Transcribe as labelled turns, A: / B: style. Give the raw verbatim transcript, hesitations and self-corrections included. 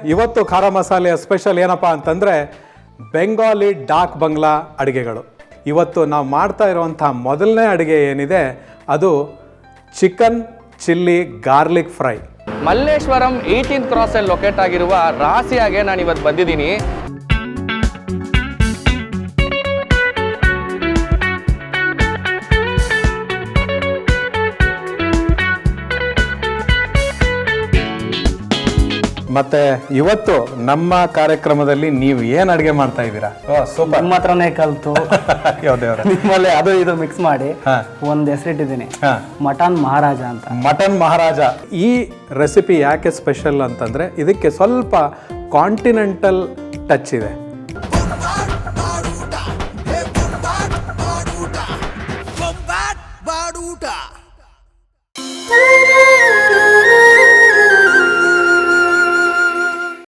A: ಇವತ್ತು ಖಾರ ಮಸಾಲೆಯ ಸ್ಪೆಷಲ್ ಏನಪ್ಪ ಅಂತಂದರೆ ಬೆಂಗಾಲಿ ಡಾಕ್ ಬಂಗ್ಲಾ ಅಡುಗೆಗಳು. ಇವತ್ತು ನಾವು ಮಾಡ್ತಾ ಇರುವಂಥ ಮೊದಲನೇ ಅಡುಗೆ ಏನಿದೆ ಅದು chicken chilli garlic fry.
B: Malleshwaram eighteenth ಕ್ರಾಸಲ್ಲಿ ಲೊಕೇಟ್ ಆಗಿರುವ ರಾಸಿಯಾಗೆ ನಾನು ಇವತ್ತು ಬಂದಿದ್ದೀನಿ.
A: ಮತ್ತೆ ಇವತ್ತು ನಮ್ಮ ಕಾರ್ಯಕ್ರಮದಲ್ಲಿ ನೀವು ಏನು ಅಡುಗೆ ಮಾಡ್ತಾ ಇದ್ದೀರಾ?
C: ಸೂಪರ್. ನಿಮ್ಮ ಹತ್ರನೇ ಕಲ್ತು
A: ಯಾವ್ದೇವ್ರ
C: ನಿಮ್ಮಲ್ಲೇ ಅದು ಇದು ಮಿಕ್ಸ್ ಮಾಡಿ ಒಂದು ಹೆಸರಿಟ್ಟಿದ್ದೀನಿ, ಮಟನ್ ಮಹಾರಾಜ ಅಂತ.
A: ಮಟನ್ ಮಹಾರಾಜ. ಈ ರೆಸಿಪಿ ಯಾಕೆ ಸ್ಪೆಷಲ್ ಅಂತಂದ್ರೆ ಇದಕ್ಕೆ ಸ್ವಲ್ಪ ಕಾಂಟಿನೆಂಟಲ್ ಟಚ್ ಇದೆ.